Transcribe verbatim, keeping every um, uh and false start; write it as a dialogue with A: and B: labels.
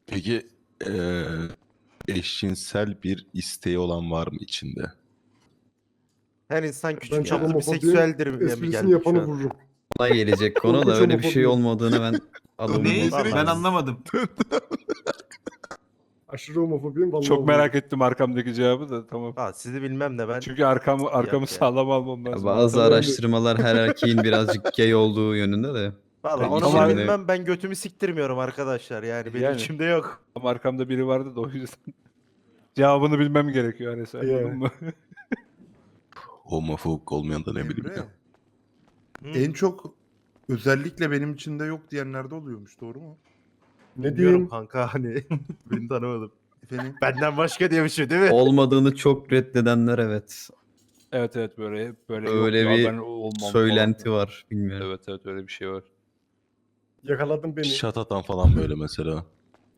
A: Peki eee, eşcinsel bir isteği olan var mı içinde?
B: Her insan
C: Ben
B: küçük
C: çok
B: çapta bir
C: homofobiyim.
B: seksüeldir mi
C: Esprisini
B: geldik
C: yapanı
B: şu an?
C: vururum.
D: Ona gelecek konu da
C: Korkunç
D: öyle bir şey
C: homofobi.
D: olmadığını ben adamın
E: Ne?
B: Vallahi
E: Ben
B: biz-
E: anlamadım.
C: Aşırı homofobiyim vallahi.
F: Çok merak
C: vururum.
F: ettim arkamdaki cevabı da tamam.
B: Ha, sizi bilmem de ben
F: Çünkü arkamı arkamı
B: yani.
F: sağlam almam
D: Ya
F: lazım.
D: bazı
C: Tamam.
D: araştırmalar her erkeğin birazcık gay olduğu yönünde de.
B: valla
F: Ben
B: onu
F: içimde-
B: bilmem, ben götümü siktirmiyorum arkadaşlar yani benim
F: Yani.
B: içimde yok.
F: Ama arkamda biri vardı da o yüzden. Cevabını bilmem gerekiyor hani sen
C: Yeah.
F: anladın mı?
A: Homofobik olmayan da ne bileyim
E: Emre,
A: ya.
B: Hı.
E: en çok özellikle benim içinde yok diyenlerde oluyormuş, doğru mu?
C: Ne
B: Bilmiyorum
C: diyeyim?
B: kanka hani beni tanımadım.
E: Efendim?
B: Benden başka diye bir şey değil mi?
D: Olmadığını çok reddedenler evet.
F: Evet evet böyle böyle
D: Öyle
F: yok ya,
D: bir
F: ben olmam
D: söylenti
F: falan.
D: var bilmiyorum.
F: Evet evet öyle bir şey var.
C: Yakaladın beni.
A: Şat atan falan böyle mesela.